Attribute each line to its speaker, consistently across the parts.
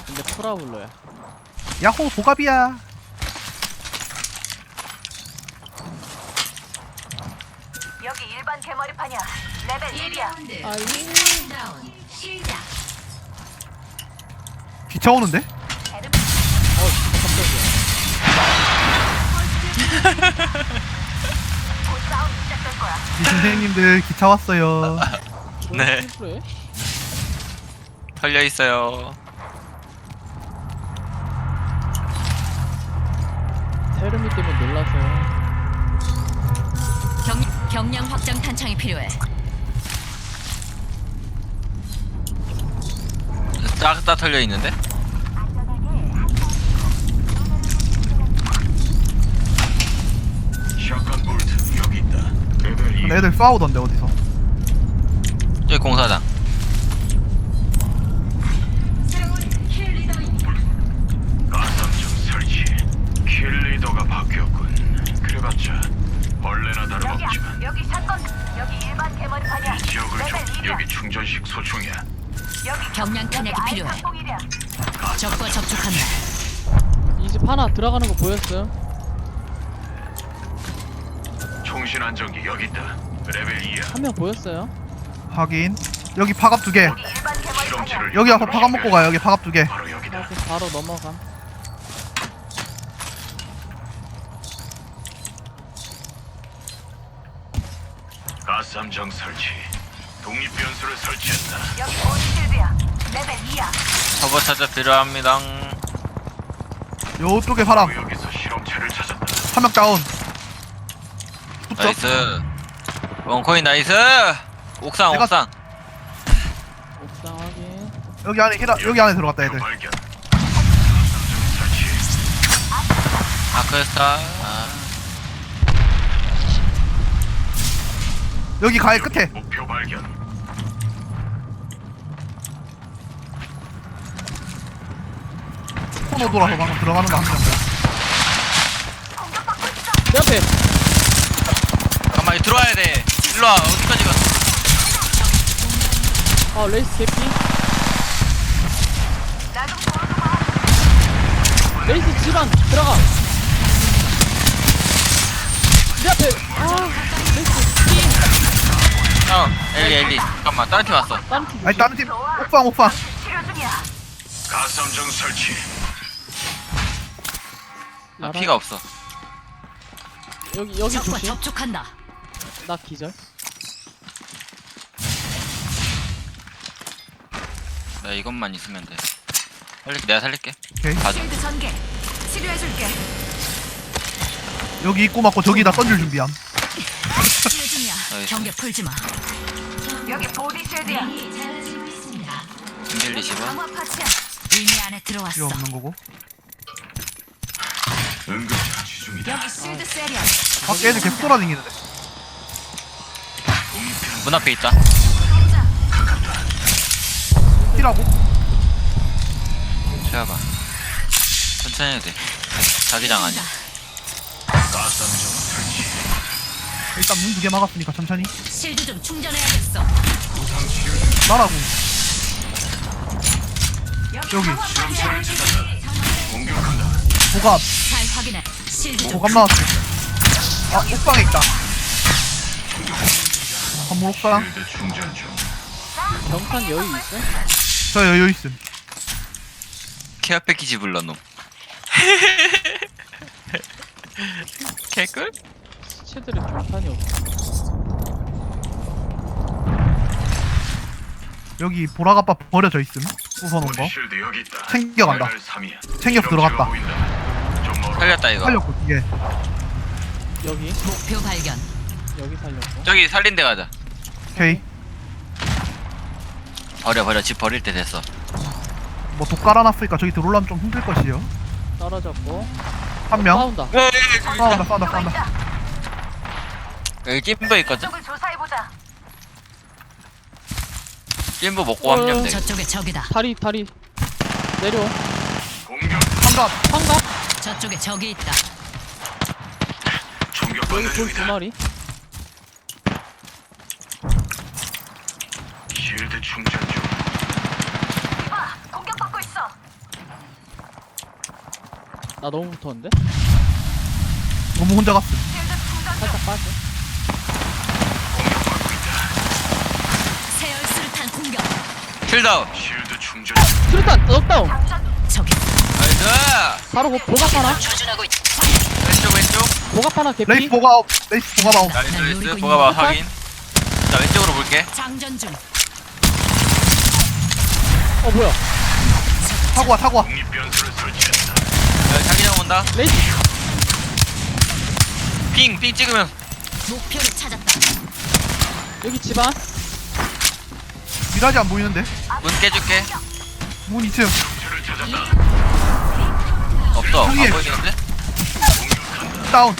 Speaker 1: 근데 프라블러야.
Speaker 2: 야호 보갑이야.
Speaker 3: 여기 일반 개머리판이야. 레벨 1이야.
Speaker 1: 아이.
Speaker 2: 기차 오는데?
Speaker 3: 곧 싸움 시작될 거야.
Speaker 2: 이 선생님들 기차 왔어요.
Speaker 4: 네.
Speaker 1: 그래?
Speaker 4: 털려 있어요.
Speaker 1: 테르미 때문에 놀라서.
Speaker 3: 경량 확장 탄창이 필요해.
Speaker 4: 딱 다 털려 있는데?
Speaker 5: 샷건 볼트 여기 있다. 레벨 2.
Speaker 2: 근데 애들 싸우던데 어디서?
Speaker 4: 여기 공사장.
Speaker 5: 가삼정 설치. 킬리더가 바뀌었군. 그래봤자 원래나 다름없지만
Speaker 3: 여기 사건. 여기 일반 개머리판이야.
Speaker 5: 이 지역을
Speaker 3: 레벨
Speaker 5: 좀
Speaker 3: 1이야.
Speaker 5: 여기 충전식 소총이야.
Speaker 3: 여기
Speaker 6: 경량 탄약이
Speaker 3: 여기
Speaker 6: 필요해.
Speaker 3: 아이상봉일이야.
Speaker 6: 적과 접촉한다.
Speaker 1: 이 집 하나 들어가는 거 보였어요?
Speaker 5: 총신 안정기 여기 있다. 레벨 2야.
Speaker 1: 한 명 보였어요?
Speaker 2: 확인. 여기 파갑 2개.
Speaker 3: 여기 일반 개머리판이야.
Speaker 5: 실험체를
Speaker 2: 여기 와서 파갑 먹고 가요. 여기 파갑 2개.
Speaker 5: 바로 여기다.
Speaker 1: 나 바로 넘어감.
Speaker 5: 가삼정 설치. 독립 변수를 설치했다.
Speaker 3: 여기 온실드야. 레벨 2야.
Speaker 4: 터보 차저 필요합니다.
Speaker 2: 요쪽에 사람.
Speaker 5: 바로 여기서 실험체를 찾았다.
Speaker 2: 한 명 다운. 붙죠?
Speaker 4: 나이스. 원코인 나이스. 옥상
Speaker 2: 내가-
Speaker 4: 옥상.
Speaker 1: 옥상 확인.
Speaker 2: 여기 안에 여기 안에 들어갔다 애들.
Speaker 5: 발견. 가삼정 설치.
Speaker 4: 아크스타. 아,
Speaker 2: 여기 가해 끝에.
Speaker 5: 목표 발견.
Speaker 2: 코너 돌아서 방금 들어가는 거 한 명.
Speaker 1: 내 앞에.
Speaker 4: 잠깐만 들어와야 돼. 일로와 어디까지 가?
Speaker 1: 아 레이스 개피.
Speaker 3: 나좀 도와줘봐.
Speaker 1: 레이스 집안 들어가. 내 앞에. 아 레이스.
Speaker 4: 엘리. 잠깐만 다른 팀 왔어.
Speaker 1: 다른 팀.
Speaker 2: 아니 다른 팀. 옥방.
Speaker 3: 치료 중이야.
Speaker 5: 가삼정 설치.
Speaker 4: 나 피가 없어.
Speaker 1: 여기
Speaker 6: 적과
Speaker 1: 조심.
Speaker 6: 접촉한다.
Speaker 1: 나 기절.
Speaker 4: 나 이것만 있으면 돼. 내가 살릴게.
Speaker 2: 오케이.
Speaker 4: 가자.
Speaker 3: 실드 전개. 치료해줄게.
Speaker 2: 여기 입구 맞고 저기다 던질 준비함.
Speaker 6: 치료 중이야.
Speaker 4: 나이스.
Speaker 6: 경계 풀지 마.
Speaker 3: 여기 보디 실드야.
Speaker 4: 김길리 집어.
Speaker 3: 강화 파츠야.
Speaker 6: 의미 안에
Speaker 2: 필요
Speaker 6: 들어왔어.
Speaker 2: 없는 거고.
Speaker 5: 응급처치 중이다.
Speaker 6: 여기 실드 세리야.
Speaker 2: 밖에 애들 계속 돌아다니는데.
Speaker 4: 문 앞에 있다.
Speaker 2: 뛰라고.
Speaker 4: 채워봐. 천천히 해도 돼. 자기장 아니야.
Speaker 5: 가삼정 설치.
Speaker 2: 일단 문 2개 막았으니까 천천히.
Speaker 6: 실드 좀 충전해야겠어.
Speaker 2: 나라고. 여기
Speaker 5: 실험체를 찾았다. 공격한다.
Speaker 2: 보갑.
Speaker 6: 잘 확인해. 실드 좀
Speaker 2: 보갑 나왔어. 아 옥방에 있다. 건물 옥상.
Speaker 5: 필드 충전 중.
Speaker 1: 경탄 여유 있어?
Speaker 2: 저 여유 있음.
Speaker 4: 케어 패키지 불러놈. 개꿀?
Speaker 1: 시체들의 경탄이 없어.
Speaker 2: 여기 보라갑바 버려져 있음. 부숴놓은 거.
Speaker 5: 실드 여기 있다.
Speaker 2: 챙겨간다.
Speaker 5: 레벨 3이야.
Speaker 2: 챙겨서 들어갔다.
Speaker 5: 보인다. 좀 멀어.
Speaker 4: 살렸다 이거.
Speaker 2: 살렸고 이게.
Speaker 1: 여기
Speaker 6: 목표 발견.
Speaker 1: 여기 살렸고.
Speaker 4: 저기 살린 데 가자.
Speaker 2: 오케이.
Speaker 4: 버려. 집 버릴 때 됐어.
Speaker 2: 뭐 독 깔아놨으니까 저기 들어오려면 좀 힘들 것이요.
Speaker 1: 떨어졌고.
Speaker 2: 한 명.
Speaker 1: 싸운다.
Speaker 2: 싸운다.
Speaker 4: 여기 찜보 있거든?
Speaker 3: 쪽을 조사해보자.
Speaker 4: 찜보 먹고 하면 돼.
Speaker 6: 저쪽에 적이다.
Speaker 1: 다리 내려.
Speaker 5: 공격.
Speaker 2: 한갑.
Speaker 1: 황갑.
Speaker 6: 저쪽에 적이 있다.
Speaker 5: 총격받는
Speaker 1: 여기 돌 두
Speaker 5: 중이다.
Speaker 1: 마리.
Speaker 5: 실드 충전 중.
Speaker 3: 이봐, 공격받고 있어.
Speaker 1: 나 너무 붙었는데?
Speaker 2: 너무 혼자 갔어.
Speaker 1: 살짝 빠져.
Speaker 6: 세열 수류탄 공격.
Speaker 4: 킬다운.
Speaker 5: 쉴드 충전.
Speaker 1: 수류탄 넉다운.
Speaker 6: 저기
Speaker 4: 나이스.
Speaker 1: 바로 보갑 하나.
Speaker 6: 조준하고 있다.
Speaker 4: 왼쪽.
Speaker 1: 보갑 하나 개피.
Speaker 2: 레이스 보가 마운.
Speaker 4: 나이스. 보가 봐 확인. 자 왼쪽으로 볼게.
Speaker 6: 장전 중.
Speaker 1: 뭐야?
Speaker 2: 타고 와.
Speaker 5: 독립 변수를 설치했다.
Speaker 4: 자기장 온다.
Speaker 1: 레이스.
Speaker 4: 핑 찍으면.
Speaker 6: 목표를 찾았다.
Speaker 1: 여기 집안.
Speaker 2: 미라지 안 보이는데?
Speaker 4: 문 깨줄게.
Speaker 2: 문 2층.
Speaker 5: 저를 찾았다.
Speaker 4: 없어. 안
Speaker 2: 형님.
Speaker 4: 보이는데?
Speaker 2: 다운.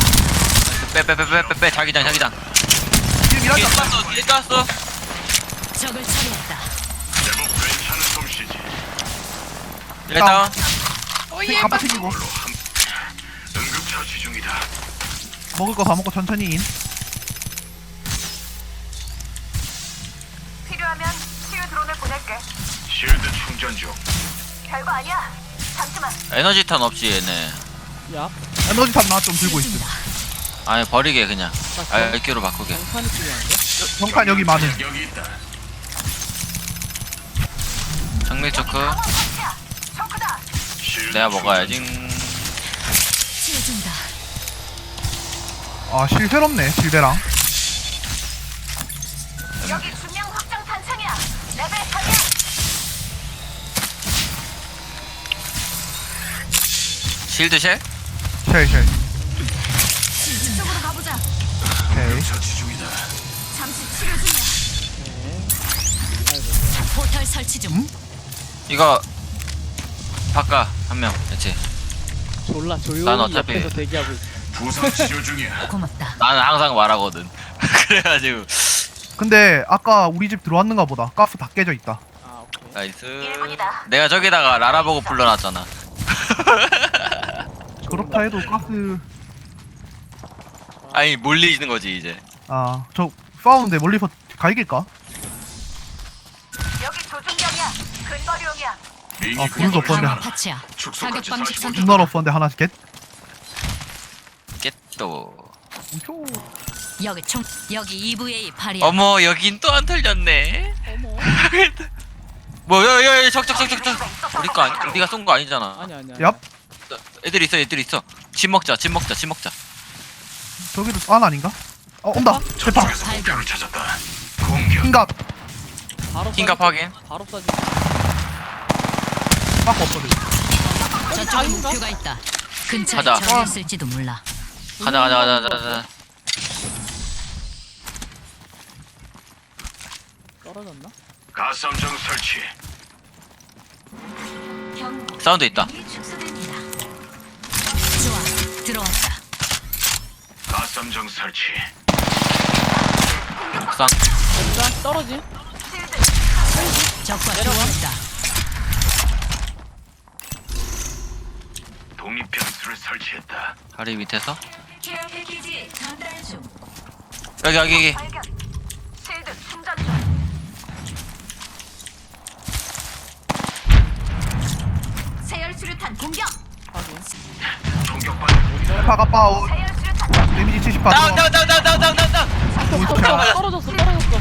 Speaker 4: 빼 자기장.
Speaker 2: 뒤에 미라지
Speaker 4: 뒤에
Speaker 2: 안
Speaker 4: 쐈어. 뒤에 쐈어.
Speaker 6: 적을 처리했다.
Speaker 5: 제법 괜찮은 솜씨지.
Speaker 4: 일단
Speaker 2: 깜빡 챙기고.
Speaker 5: 응급처치 중이다.
Speaker 2: 먹을 거 다 먹고 천천히 인.
Speaker 3: 필요하면 치유 드론을 보낼게.
Speaker 5: 쉴드 충전 중.
Speaker 3: 별거 아니야. 잠시만.
Speaker 4: 에너지탄 없지 얘네.
Speaker 1: 야.
Speaker 2: 에너지 탑 나 좀 들고 있음.
Speaker 4: 아니 버리게 그냥. 알기로 바꾸게.
Speaker 1: 정산이 필요한데?
Speaker 2: 정판 여기 많음.
Speaker 5: 여기 있다.
Speaker 4: 정밀 초크.
Speaker 3: 초크다.
Speaker 5: 쉴드
Speaker 4: 내가 먹어야지.
Speaker 6: 치워준다.
Speaker 2: 아, 실 새롭네, 실베랑.
Speaker 3: 여기 중량 확장 탄창이야. 레벨 3이야.
Speaker 4: 실드쉘?
Speaker 2: 쉘.
Speaker 3: 이쪽으로 가보자.
Speaker 2: 오케이.
Speaker 5: 처치 중이다.
Speaker 3: 잠시 치료 중이야.
Speaker 6: 포털 설치 중.
Speaker 4: 이거 바꿔 한 명. 그렇지.
Speaker 1: 졸라 조용히
Speaker 4: 난 어차피-
Speaker 1: 옆에서 대기하고 있어.
Speaker 5: 부상 치료 중이야.
Speaker 6: 고맙다.
Speaker 4: 나는 항상 말하거든. 그래가지고
Speaker 2: 근데 아까 우리 집 들어왔는가 보다. 가스 다 깨져 있다.
Speaker 1: 아 오케이.
Speaker 4: 나이스.
Speaker 3: 1분이다.
Speaker 4: 내가 저기다가 라라 보고 불러놨잖아.
Speaker 2: 그렇다 해도 가스.
Speaker 4: 아니 몰리는 거지 이제.
Speaker 2: 아, 저 싸우는데 멀리서 갈길까?
Speaker 3: 여기 조준경이야. 근거리용이야.
Speaker 5: 링이
Speaker 2: 아, 불도 없었네.
Speaker 6: 방어 파츠야. 사격 방식 선택.
Speaker 2: 눈알 없었는데 하나씩 겟.
Speaker 4: 깼또.
Speaker 2: 우효.
Speaker 6: 여기 총. 여기 EVA 8이야.
Speaker 4: 어머 여긴 또 안 털렸네.
Speaker 1: 어머.
Speaker 4: 뭐 야야야 적적. 우리 거 아니 우리가 쏜 거 아니잖아.
Speaker 1: 아니야.
Speaker 2: 얍.
Speaker 4: 애들 있어. 집 먹자.
Speaker 2: 저기도 안 아닌가? 온다. 대파.
Speaker 6: 발견.
Speaker 5: 목표를 찾았다. 공격.
Speaker 2: 킹갑.
Speaker 1: 바로
Speaker 4: 킹갑
Speaker 1: 쏴지.
Speaker 4: 확인.
Speaker 1: 바로 쏴지.
Speaker 2: 막 없거든.
Speaker 6: 저쪽에
Speaker 1: 아닌가?
Speaker 6: 목표가 있다. 근처에
Speaker 4: 가자.
Speaker 6: 적이 있을지도 몰라.
Speaker 4: 가자.
Speaker 1: 떨어졌나?
Speaker 5: 가스함정 설치.
Speaker 4: 사운드 있다.
Speaker 3: 축소됩니다.
Speaker 6: 좋아. 들어왔다.
Speaker 5: 가스함정 설치.
Speaker 4: 옥상.
Speaker 1: 일단 떨어짐.
Speaker 6: 적과 교환했다.
Speaker 5: 독립 변수를 설치했다.
Speaker 4: 다리 밑에서.
Speaker 3: 케어 패키지 전달 중.
Speaker 4: 여기.
Speaker 3: 발견. 실드 충전 중. 세열 수류탄 공격.
Speaker 1: 확인.
Speaker 5: 공격받는
Speaker 2: 대파가 빠우.
Speaker 3: 세열 수류탄.
Speaker 2: 데미지 78.
Speaker 4: 다운.
Speaker 1: 떨어졌어.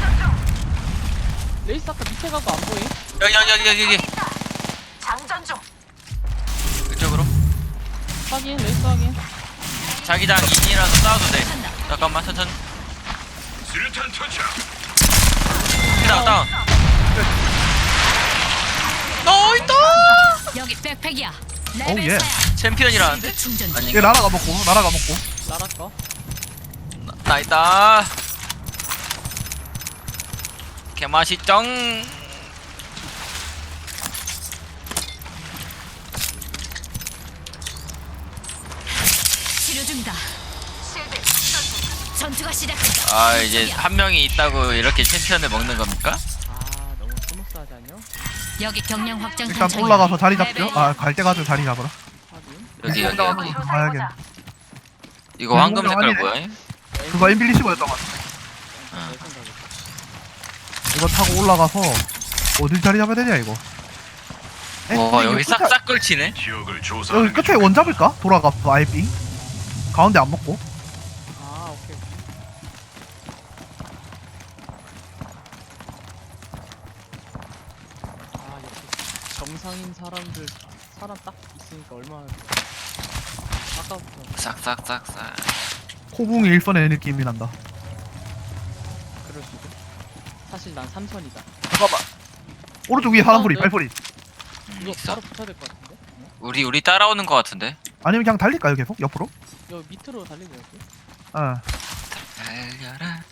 Speaker 1: 레이스 아까 밑에 가고 안 보임?
Speaker 4: 여기.
Speaker 3: 장전 중.
Speaker 4: 이쪽으로.
Speaker 1: 확인. 레이스 확인.
Speaker 4: 자기장 인이라서 싸워도 돼. 잠깐만 천천히.
Speaker 5: 수류탄 투척.
Speaker 4: 다운. 나이다.
Speaker 6: 여기 백팩이야.
Speaker 2: 오, 예.
Speaker 6: 레벨 4야.
Speaker 4: 챔피언이라는데?
Speaker 6: 충전 중.
Speaker 4: 아니
Speaker 2: 얘 나라가 먹고.
Speaker 1: 나라 거.
Speaker 4: 나이다. 개맛있쩡.
Speaker 6: 치료 중이다.
Speaker 3: 실드 충전 중.
Speaker 6: 전투가 시작됐다.
Speaker 4: 아 이제 한 명이 있다고 이렇게 챔피언을 먹는 겁니까?
Speaker 1: 아 너무 스무스하지 않냐?
Speaker 6: 여기 경량 확장
Speaker 2: 일단
Speaker 6: 탄창이야.
Speaker 2: 올라가서 자리 잡죠.
Speaker 6: 레벨
Speaker 2: 아, 갈 때 가서 자리 잡으라.
Speaker 1: 확인.
Speaker 4: 여기.
Speaker 2: 가야겠네.
Speaker 4: 이거 황금 색깔 뭐야?
Speaker 2: 그거 엠빌리시버였던 것 같아.
Speaker 1: 내 생각에.
Speaker 2: 이거 타고 올라가서 어딜 자리 잡아야 되냐 이거.
Speaker 4: 와 여기 싹싹 걸치네.
Speaker 5: 지역을
Speaker 2: 여기
Speaker 5: 조사하는 게
Speaker 2: 끝에 원 잡을까? 돌아가 아예 빙 가운데 안 먹고.
Speaker 1: 아 오케이. 아 역시 정상인 사람들 사람 딱 있으니까 얼마나 좋아. 아까부터
Speaker 4: 싹싹싹싹.
Speaker 2: 코붕이 일선의 느낌이 난다.
Speaker 1: 그럴 수도. 사실 난 3선이다.
Speaker 2: 잠깐만. 오른쪽 위에 사람 소리, 발소리.
Speaker 1: 이거
Speaker 4: 있어.
Speaker 1: 바로 붙어야 될 것 같은데?
Speaker 4: 우리 따라오는 거 같은데.
Speaker 2: 아니면 그냥 달릴까요 계속 옆으로?
Speaker 1: 이거 밑으로 달리고 여기.
Speaker 2: 어.
Speaker 4: 달려라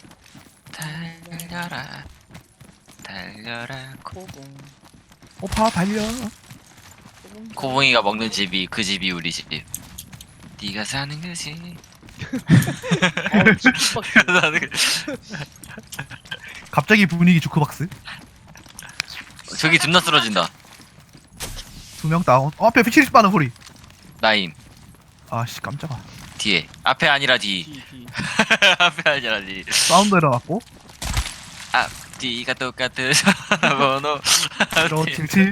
Speaker 4: 달려라 달려라.
Speaker 1: 코봉.
Speaker 2: 오빠 달려.
Speaker 1: 코봉.
Speaker 4: 코봉이가 먹는 집이 그 집이 우리 집. 네가 사는 거지.
Speaker 1: 어우 주박스.
Speaker 4: 사는 거.
Speaker 2: 갑자기 분위기 주크박스.
Speaker 4: 저기 존나 쓰러진다.
Speaker 2: 2명 다운. 앞에 피치리 빠는 소리.
Speaker 4: 나임
Speaker 2: 아씨 깜짝아.
Speaker 4: 뒤에. 앞에 아니라 뒤.
Speaker 1: D.
Speaker 4: 앞에 아니라 뒤.
Speaker 2: 사운드 일어났고.
Speaker 4: 뒤가 똑같은 번호.
Speaker 2: 1577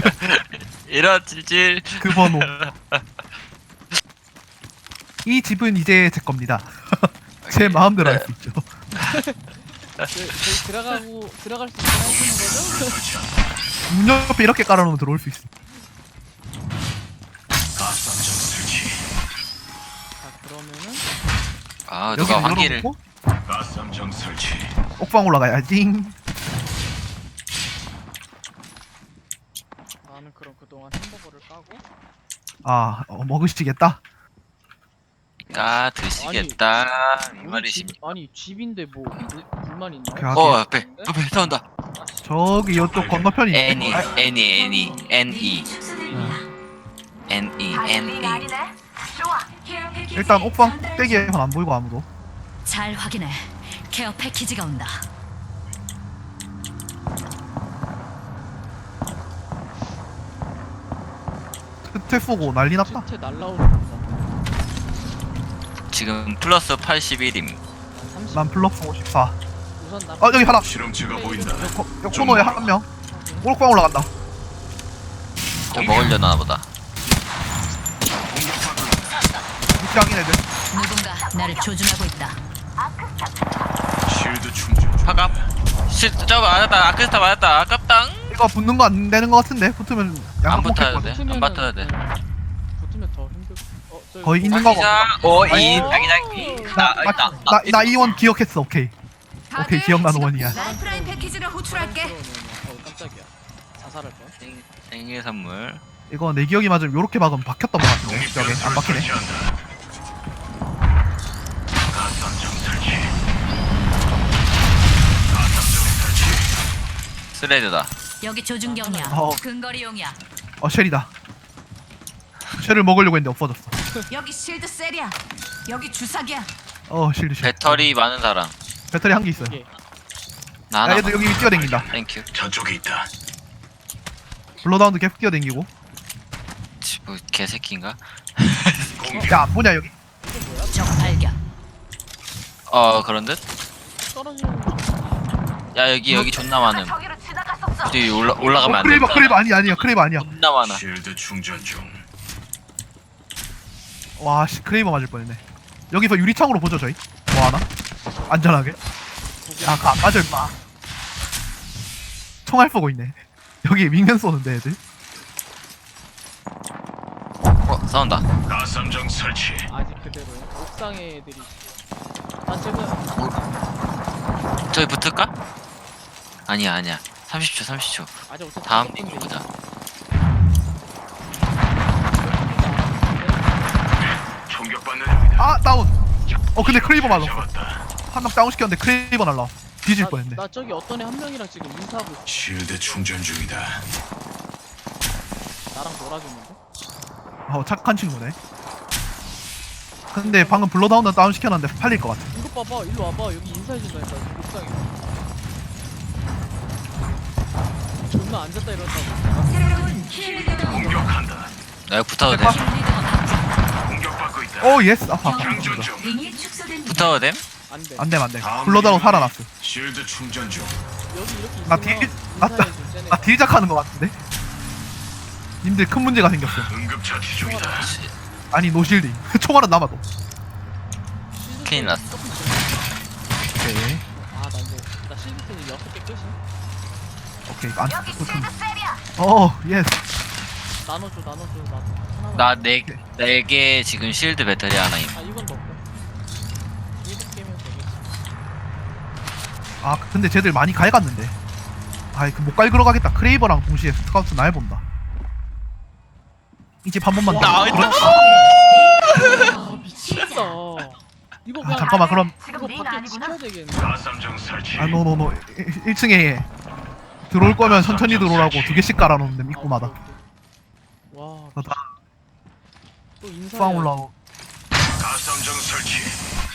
Speaker 4: 1577.
Speaker 2: 그 번호. 이 집은 이제 제 겁니다. 제 마음대로 할 수 있죠.
Speaker 1: 저희 들어갈 수 있게 하시는 거죠?
Speaker 5: 설치한다.
Speaker 2: 문 옆에 이렇게 깔아놓으면 들어올 수 있어.
Speaker 5: 가스함정 설치.
Speaker 1: 자 그러면은
Speaker 4: 아 누가
Speaker 2: 여기는
Speaker 4: 환기를.
Speaker 2: 열어놓고
Speaker 5: 가스함정 설치.
Speaker 2: 옥방 올라가야지.
Speaker 1: 나는 그럼 그동안 햄버거를 까고
Speaker 2: 아 먹으시겠다.
Speaker 4: 드시겠다 이
Speaker 1: 우리
Speaker 4: 말이시.
Speaker 1: 집, 아니 집인데 뭐 불만 있나요?
Speaker 2: 오케이,
Speaker 4: 어 앞에 싸운다.
Speaker 2: 저기 이쪽 건너편이.
Speaker 4: 애니
Speaker 2: 아,
Speaker 4: 애니
Speaker 3: 별일이 아니네. 좋아.
Speaker 2: 일단 옥방 꼭대기에선 안 보이고 아무도.
Speaker 6: 잘 확인해. 케어 패키지가 온다.
Speaker 2: 끝에 쏘고 난리 났다.
Speaker 1: 채 날라오는 거.
Speaker 4: 지금 플러스 81임.
Speaker 1: 30.
Speaker 2: 난 플러스 54.
Speaker 1: 우선 나.
Speaker 2: 여기 하나.
Speaker 5: 실험체가 보인다.
Speaker 2: 옆 코너에 한 명. 옥방 올라간다.
Speaker 4: 저 먹으려나 보다.
Speaker 2: 밑장인 애들.
Speaker 6: 누군가 나를 조준하고 있다.
Speaker 5: 실드 충전 중.
Speaker 4: 파갑. 저 맞았다. 아크스타 맞았다. 아깝당.
Speaker 2: 이거 붙는 거 안 되는 거 같은데? 붙으면
Speaker 4: 안
Speaker 2: 양각
Speaker 4: 붙어야
Speaker 2: 먹겠거든.
Speaker 4: 돼. 안 붙어야 돼.
Speaker 1: 붙으면 더 힘들. 저기
Speaker 2: 거의 있는 거
Speaker 4: 자기장. 이 자기장.
Speaker 2: 나 이원 기억했어. 오케이. 오케이 기억나는 원이야.
Speaker 3: 라이프라인 패키지를 호출할게.
Speaker 1: 깜짝이야. 자살할 거야.
Speaker 4: 생일 선물.
Speaker 2: 이거 내 기억이 맞으면 요렇게 박으면 박혔던 거 같은데. 저기 안
Speaker 5: 독립변수를
Speaker 2: 박히네.
Speaker 5: 설치한다. 가스함정 설치. 가스함정 설치.
Speaker 4: 스레드다.
Speaker 6: 여기 조준경이야.
Speaker 2: 어.
Speaker 6: 근거리용이야.
Speaker 2: 쉘이다. 쉘을 먹으려고 했는데 없어졌어.
Speaker 3: 여기 실드 셀이야. 여기 주사기야.
Speaker 2: 실드 쉘.
Speaker 4: 배터리 많은 사람.
Speaker 2: 배터리 한 개 있어요.
Speaker 1: 이게
Speaker 4: 나
Speaker 2: 야
Speaker 4: 하나.
Speaker 2: 얘들 여기 뛰어댕긴다.
Speaker 4: 땡큐.
Speaker 5: 저쪽에 있다.
Speaker 2: 블러다운도 계속 뛰어댕기고.
Speaker 4: 뭐 개새끼인가?
Speaker 5: 공격.
Speaker 2: 야 안 보냐 여기?
Speaker 6: 적 발견.
Speaker 4: 그런 듯?
Speaker 1: 떨어지는 거.
Speaker 4: 야 여기 존나 많음.
Speaker 3: 저기로 지나갔었어.
Speaker 4: 뒤 올라가면 안
Speaker 2: 크레이버
Speaker 4: 된다.
Speaker 2: 크레이버 아니야 크레이버 아니야.
Speaker 4: 존나 많아.
Speaker 5: 실드 충전 중.
Speaker 2: 와씨 크레이버 맞을 뻔했네. 여기서 유리창으로 보죠 저희. 뭐 하나? 안전하게. 야가 맞아 임마. 총알 쏘고 있네. 여기 윙면 쏘는데 애들.
Speaker 4: 싸운다.
Speaker 5: 가스함정 설치.
Speaker 1: 아직 그대로야. 옥상에 애들이. 난 지금
Speaker 4: 저기 붙을까? 아니야 30초.
Speaker 1: 아직 어차피
Speaker 4: 다음
Speaker 1: 몇
Speaker 4: 링
Speaker 1: 군데
Speaker 4: 보자.
Speaker 5: 총격받는 중이다.
Speaker 2: 아 다운. 근데 크레이버 맞았어.
Speaker 5: 잡았다.
Speaker 2: 한 명 다운 시켰는데 크레이버 날라. 뒤질 뻔했네.
Speaker 1: 나 저기 어떤 애 한 명이랑 지금 인사하고 있어.
Speaker 5: 실드 충전 중이다.
Speaker 1: 나랑 놀아주는데?
Speaker 2: 착한 친구네. 근데 방금 블러다운도 다운 시켜놨는데 팔릴 것 같아.
Speaker 1: 이거 봐봐. 일로 와봐. 여기 인사해준다니까. 옥상에. 존나 앉았다 이런다고.
Speaker 5: 공격한다.
Speaker 4: 나 여기 붙어도 돼?
Speaker 5: 공격받고 있다.
Speaker 2: 오 예스. 아파.
Speaker 5: 장전 중.
Speaker 4: 붙어도 됨?
Speaker 1: 안 돼.
Speaker 2: 안돼 안돼. 블러다운 살아났어.
Speaker 5: 실드 충전 중.
Speaker 1: 여기 이렇게
Speaker 2: 나
Speaker 1: 있으면
Speaker 2: 딜- 맞다.
Speaker 1: 인사해준 쟤네.
Speaker 2: 딜작하는 것 같은데. 님들 큰 문제가 생겼어.
Speaker 5: 응급처치 중이다.
Speaker 2: 아니 노실딩. 총알은 남아도.
Speaker 1: 실드
Speaker 4: 큰일 났어.
Speaker 1: 조금 있어.
Speaker 2: 오케이.
Speaker 1: 나 이제 나 실드 펜이 6개 끝이.
Speaker 2: 오케이. 안.
Speaker 3: 여기 실드 셀이야.
Speaker 2: 예스.
Speaker 1: 나눠줘 나도 하나만.
Speaker 4: 나 4개 지금 실드 배터리 하나임.
Speaker 1: 이건 넣고. 7개면 되겠지.
Speaker 2: 아 근데 쟤들 많이 갈갔는데. 아이 그 못 갈그러 가겠다. 크레이버랑 동시에 스카우트 날 본다. 이 집 한 번만 더.
Speaker 1: 미치겠다. 이거
Speaker 2: 아,
Speaker 1: 그냥
Speaker 2: 잠깐만 그럼
Speaker 3: 지금
Speaker 1: 이거
Speaker 3: 링
Speaker 1: 밖에
Speaker 3: 아니구나.
Speaker 1: 지켜야 되겠네.
Speaker 5: 가삼정 설치.
Speaker 2: 노노노 1층에 들어올 거면 천천히 들어오라고 2개씩 깔아놓는데 입구마다.
Speaker 1: 와,
Speaker 2: 다
Speaker 1: 또 인사.
Speaker 2: 빵 올라오고.
Speaker 5: 가삼정 설치.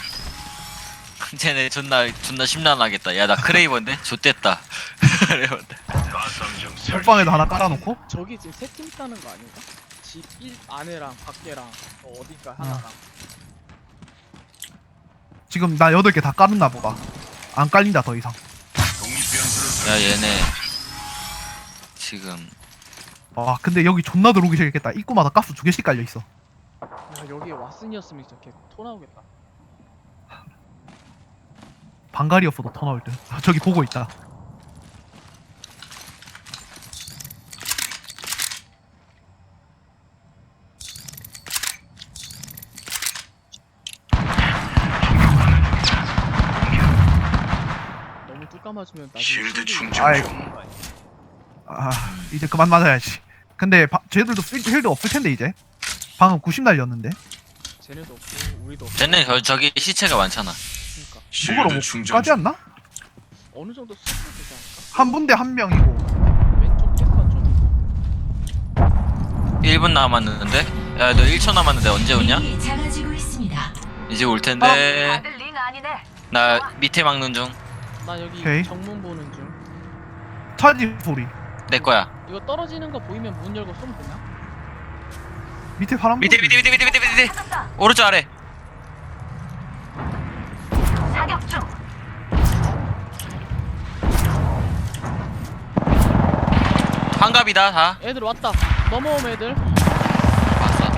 Speaker 4: 쟤네 존나 심란하겠다. 야 나 크레이버인데? 좆됐다. 이러면서.
Speaker 5: 가삼정 설치.
Speaker 2: 옥방에도 하나 깔아놓고.
Speaker 1: 저기 지금 3팀 있다는 거 아닌가? 집 1 안에랑 밖에랑 어딘가 하나랑.
Speaker 2: 지금 나 8개 다 깔았나 보다. 안 깔린다 더 이상.
Speaker 5: 독립변수를
Speaker 4: 야 얘네 지금
Speaker 2: 아 근데 여기 존나 들어오기 싫겠다. 입구마다 가스 2개씩 깔려있어.
Speaker 1: 야, 여기 왓슨이었으면 진짜 걔토 나오겠다.
Speaker 2: 방갈이었어도 터 나올 듯. 아, 저기 보고 있다.
Speaker 1: 너무 뚝 감아주면 나중에
Speaker 5: 실드
Speaker 1: 실드
Speaker 5: 충전
Speaker 2: 아이.
Speaker 5: 중.
Speaker 2: 아 이제 그만 맞아야지. 근데 쟤들도 필드 없을 텐데 이제. 방금 90 날렸는데.
Speaker 1: 쟤네도 없고 우리도 없고.
Speaker 4: 쟤네 저기 시체가 많잖아.
Speaker 1: 그러니까
Speaker 2: 그거로
Speaker 5: 실드
Speaker 2: 뭐
Speaker 5: 충전
Speaker 2: 까지
Speaker 5: 중.
Speaker 2: 않나?
Speaker 1: 어느 정도 수준 되지 않을까?
Speaker 2: 한 분대 한 명이고.
Speaker 1: 왼쪽 캡판 좀
Speaker 4: 1분 남았는데? 야 너 1초 남았는데 언제 오냐?
Speaker 6: 링이 작아지고 있습니다.
Speaker 4: 이제 올 텐데.
Speaker 3: 다들 링 아니네.
Speaker 4: 나 밑에 막는 중.
Speaker 1: 나 여기
Speaker 2: 오케이.
Speaker 1: 정문 보는 중.
Speaker 2: 차지 소리.
Speaker 4: 내 거야.
Speaker 1: 이거 떨어지는 거 보이면 문 열고 쏘면 되나?
Speaker 2: 밑에 바람.
Speaker 4: 밑에.
Speaker 3: 찾았다.
Speaker 4: 오른쪽 아래.
Speaker 3: 사격 중.
Speaker 4: 환갑이다 다.
Speaker 1: 애들 왔다. 넘어옴 애들.
Speaker 4: 봤어.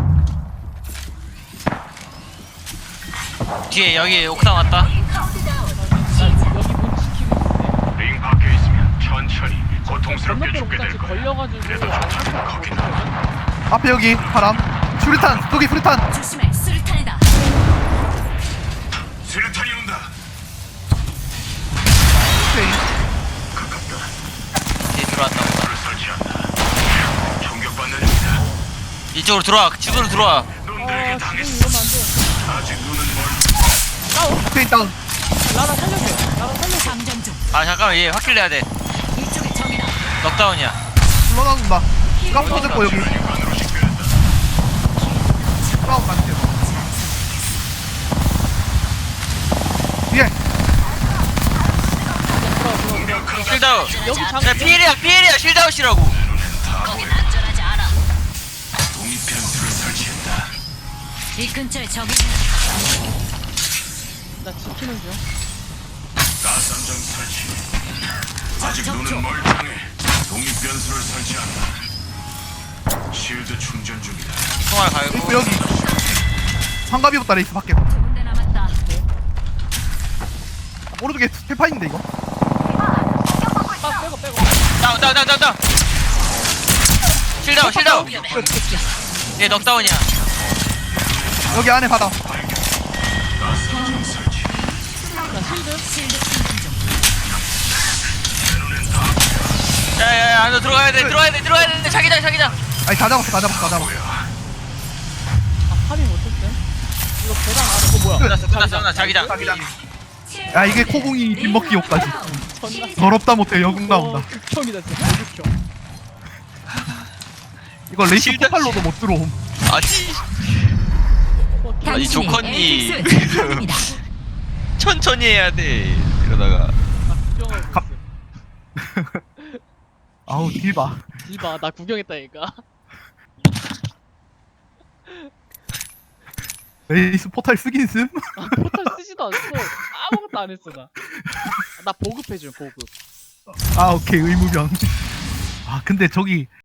Speaker 4: 뒤에 여기 옥상 왔다.
Speaker 1: 나 여기 문 지키고 있는데.
Speaker 5: 링 밖에 있으면 천천히 고통스럽게
Speaker 1: 건너편
Speaker 5: 죽게 될
Speaker 1: 옥상지
Speaker 5: 거야.
Speaker 1: 걸려가지고
Speaker 5: 그래도
Speaker 1: 안
Speaker 5: 어차피
Speaker 1: 살것
Speaker 5: 거긴
Speaker 1: 같거든.
Speaker 2: 앞에 여기 바람. 수류탄. 저기 수류탄.
Speaker 6: 조심해, 수류탄이다.
Speaker 5: 수류탄이 온다.
Speaker 2: 오케이.
Speaker 5: 가깝다.
Speaker 4: 뒤에 들어왔다.
Speaker 5: 불을 설치한다. 총격받는 중이다.
Speaker 4: 이쪽으로 들어와. 집으로 들어와.
Speaker 5: 놈들에게
Speaker 1: 지금
Speaker 5: 당했어.
Speaker 1: 이러면 안 돼.
Speaker 5: 아직 눈은 멀.
Speaker 2: 오케이 다운.
Speaker 1: 나라 살려줘. 나라 살려줘.
Speaker 6: 장전 중.
Speaker 4: 아 잠깐만 얘 확킬 내야 돼.
Speaker 6: 이쪽에 적이다.
Speaker 4: 넉다운이야.
Speaker 2: 불러나온다. 까먹 터졌고 여기.
Speaker 5: 관으로 식별했다.
Speaker 2: 싸움 맞지. 뒤에.
Speaker 4: 실다운.
Speaker 1: 여기 장.
Speaker 4: 야 피해리야 실다운이라고.
Speaker 6: 거긴 안전하지 않아.
Speaker 5: 독립변수를 설치했다.
Speaker 6: 이 근처에 적이
Speaker 1: 나 지키는 중.
Speaker 5: 가삼정 설치. 아직 눈은 멀쩡해. 독립변수를 설치한다. 실드 충전 중이다.
Speaker 4: 총알 갈고.
Speaker 2: 있고 여기. 환갑이부터 레이스 밖에.
Speaker 6: 두 군데 남았다.
Speaker 2: 오른쪽에 스테파인데 이거.
Speaker 1: 딱 빼고.
Speaker 4: 다운. 실다운. 얘 넉다운이야.
Speaker 2: 여기 안에 받아.
Speaker 5: 가삼정 설치.
Speaker 1: 나 실드.
Speaker 6: 실드 충전 중.
Speaker 4: 야야야 안으로 들어가야 돼. 자기장.
Speaker 2: 아니 다 잡았어.
Speaker 1: 아 파밍 못했대. 이거 계단 아래. 뭐야?
Speaker 4: 끝났어. 자기장.
Speaker 2: 야 이게 코궁이 빗먹기 욕까지.
Speaker 1: 전나.
Speaker 2: 더럽다 못해 여궁 나온다.
Speaker 1: 극혐이다 진짜. 극혐.
Speaker 2: 이거 레이스
Speaker 4: 실드-
Speaker 2: 포팔로도 못 들어옴.
Speaker 4: 아니 조컨니
Speaker 6: 에이펙스 최고입니다.
Speaker 4: 천천히 해야 돼. 이러다가
Speaker 1: 구경하고
Speaker 2: 갑-
Speaker 1: 있어.
Speaker 2: 아우 딜 봐.
Speaker 1: 이봐 나 구경했다니까.
Speaker 2: 레이스 포탈 쓰긴 씀?
Speaker 1: 포탈 쓰지도 않았어. 아무것도 안 했어 나. 나 보급해줘 보급.
Speaker 2: 아 오케이 의무병. 아 근데 저기